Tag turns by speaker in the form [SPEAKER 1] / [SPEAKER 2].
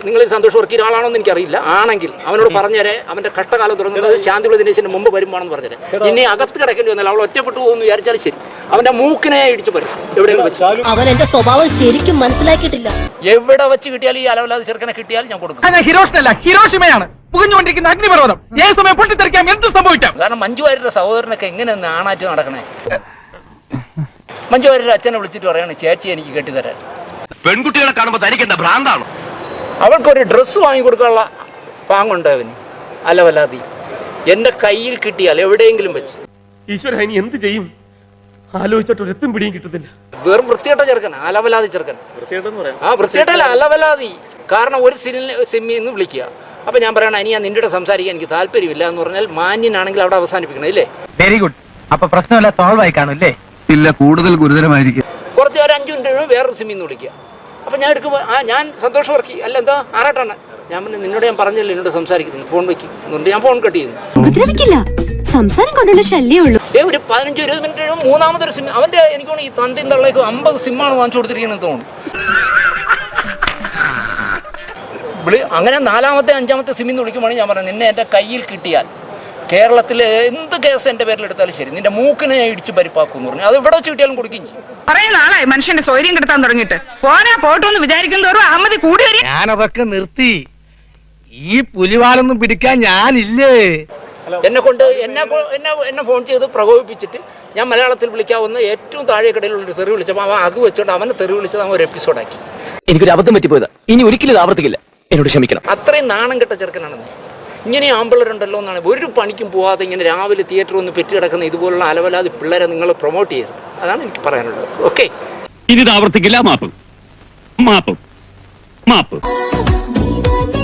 [SPEAKER 1] നിങ്ങൾ സന്തോഷ് വർക്കിയുടെ ആളാണോ എന്ന് എനിക്കറിയില്ല. ആണെങ്കിൽ അവനോട് പറഞ്ഞേരെ, അവന്റെ കഷ്ടകാലം തുടങ്ങുന്നത് ശാന്തിയുള്ള ദിനേശിന് മുമ്പ് വരുമ്പോണെന്ന് പറഞ്ഞേരെ. ഇനി അകത്ത് കിടക്കേണ്ടി വന്നാൽ അവൾ ഒറ്റപ്പെട്ടു പോകുമെന്ന് വിചാരിച്ചാലും ശരി, അവന്റെ മൂക്കിനെ ഇടിച്ചു പറയും. എവിടെയെങ്കിലും വെച്ച്
[SPEAKER 2] അവൻ എന്റെ സ്വഭാവം ശരിക്കും മനസ്സിലാക്കിയിട്ടില്ല.
[SPEAKER 1] എവിടെ വെച്ച് കിട്ടിയാലും ഈ അലവലാതെ ചെറുക്കനെ കിട്ടിയാൽ ഞാൻ കൊടുക്കും.
[SPEAKER 3] ഹിരോഷിമയാണ് പുകഞ്ഞുകൊണ്ടിരിക്കുന്ന അഗ്നിപർവ്വതം. ഏത് സമയം പൊട്ടിത്തെറിക്കാം, എന്ത് സംഭവിക്കാം.
[SPEAKER 1] കാരണം മഞ്ജു വാര്യരുടെ സഹോദരനൊക്കെ എങ്ങനെ നാണാറ്റ് നടക്കണേ. മഞ്ജു വാര്യരുടെ അച്ഛനെ വിളിച്ചിട്ട് പറയാണ്, ചേച്ചി എനിക്ക് കെട്ടിത്തരാൻ.
[SPEAKER 4] പെൺകുട്ടികളെ കാണുമ്പോൾ തനിക്കെന്താ ഭ്രാന്താണോ?
[SPEAKER 1] അവൾക്കൊരു ഡ്രസ്സ് വാങ്ങിക്കൊടുക്കാനുള്ള പാങ്ങുണ്ട് അവന്. അലവലാതി എന്റെ കയ്യിൽ കിട്ടിയാൽ എവിടെയെങ്കിലും വെച്ച്
[SPEAKER 3] ഈശ്വര ഇനി എന്ത് ചെയ്യും ആലോചിച്ചിട്ട് ഒരെത്തും പിടിയും കിട്ടത്തില്ല.
[SPEAKER 1] വെറും വൃത്തികെട്ട ചെറുക്കൻ, അലവലാതി ചെറുക്കൻ. വൃത്തികെട്ടല്ല, അലവലാതി. കാരണം ഒരു സിമ്മിൽ നിന്ന് വിളിക്കുക. അപ്പൊ ഞാൻ പറയണം, ഇനി ഞാൻ നിന്റെ സംസാരിക്കാൻ എനിക്ക് താല്പര്യമില്ല എന്ന് പറഞ്ഞാൽ മാന്യനാണെങ്കിൽ അവിടെ അവസാനിപ്പിക്കണം, ഇല്ലേ?
[SPEAKER 3] Very good. അപ്പൊ പ്രശ്നമല്ല, സോൾവ് ആയി കാണും അല്ലേ?
[SPEAKER 5] ഇല്ല, കൂടുതൽ ഗുരുതരമായിരിക്കും.
[SPEAKER 1] കുറച്ച് ഒരു 5 മിനിറ്റ് വേറൊരു സിമ്മിൽ നിന്ന് വിളിക്കുക. അപ്പൊ ഞാൻ എടുക്കുമ്പോൾ ഞാൻ സന്തോഷ് വർക്കി അല്ല, എന്താ ആറാട്ടാണ്. ഞാൻ പിന്നെ നിന്നോട് ഞാൻ പറഞ്ഞില്ല എന്നോട് സംസാരിക്കുന്നു, ഫോൺ വെക്കും എന്നുണ്ട്. ഞാൻ ഫോൺ കട്ട് ചെയ്യുന്നു.
[SPEAKER 2] ഉപദ്രവിക്കില്ല, സംസാരം കൊണ്ടുള്ള ശല്യമുള്ളൂ.
[SPEAKER 1] ഒരു 15-20 മിനിറ്റ് മൂന്നാമതൊരു സിം. അവന്റെ എനിക്ക് തോന്നുന്നു ഈ തന്തിയും തള്ളേക്ക് 50 സിമ്മാണ് വാങ്ങിച്ചു കൊടുത്തിരിക്കുന്നത് തോന്നുന്നു. അങ്ങനെ 4-ാമത്തെ 5-ാമത്തെ സിമ്മിൽ നിന്ന് വിളിക്കുമ്പോൾ ഞാൻ പറഞ്ഞു, നിന്നെ എൻ്റെ കയ്യിൽ കിട്ടിയാൽ കേരളത്തിലെ എന്ത് കേസ് എൻ്റെ പേരിൽ എടുത്താലും ശരി, നിന്റെ മൂക്കിനെ ഇടിച്ച് പരിപ്പാക്കും എന്ന് പറഞ്ഞു. അത് ഇവിടെ വെച്ച് കിട്ടിയാലും കൊടുക്കുകയും ചെയ്യും.
[SPEAKER 6] കുറേ നാളായി മനുഷ്യന്റെ സ്വൈര്യം കിടത്താൻ തുടങ്ങിയിട്ട്. പോട്ടെന്ന് വിചാരിക്കും തോറും അഹമ്മദി കൂടി വരും.
[SPEAKER 3] ഞാനതൊക്കെ നിർത്തി. ഈ പുലിവാലൊന്നും പിടിക്കാൻ ഞാനില്ലേ.
[SPEAKER 1] എന്നെ ഫോൺ ചെയ്ത് പ്രകോപിപ്പിച്ചിട്ട് ഞാൻ മലയാളത്തിൽ വിളിക്കാവുന്ന ഏറ്റവും താഴെക്കടയിലുള്ളൊരു തെറി വിളിച്ചപ്പോൾ അവൻ അത് വെച്ചുകൊണ്ട് അവനെ തെറി വിളിച്ചത് അവൻ ഒരു എപ്പിസോഡാക്കി.
[SPEAKER 4] എനിക്കൊരു അബദ്ധം പറ്റിപ്പോയതാ, ഇനി ഒരിക്കലും ഇത് ആവർത്തിക്കില്ല, എന്നോട് ക്ഷമിക്കണം.
[SPEAKER 1] അത്രയും നാണം കെട്ട ചെറുക്കനാണെന്ന്. ഇങ്ങനെ ആമ്പിള്ളേരുണ്ടല്ലോ എന്നാണ്. ഒരു പണിക്കും പോവാതെ ഇങ്ങനെ രാവിലെ തിയേറ്ററിൽ ഒന്ന് പെറ്റി കിടക്കുന്ന ഇതുപോലുള്ള അലവലാതി പിള്ളേരെ നിങ്ങൾ പ്രൊമോട്ട് ചെയ്യരുത്. അതാണ് എനിക്ക് പറയാനുള്ളത്. ഓക്കെ,
[SPEAKER 4] ഇനി ഇത് ആവർത്തിക്കില്ല. മാപ്പ്.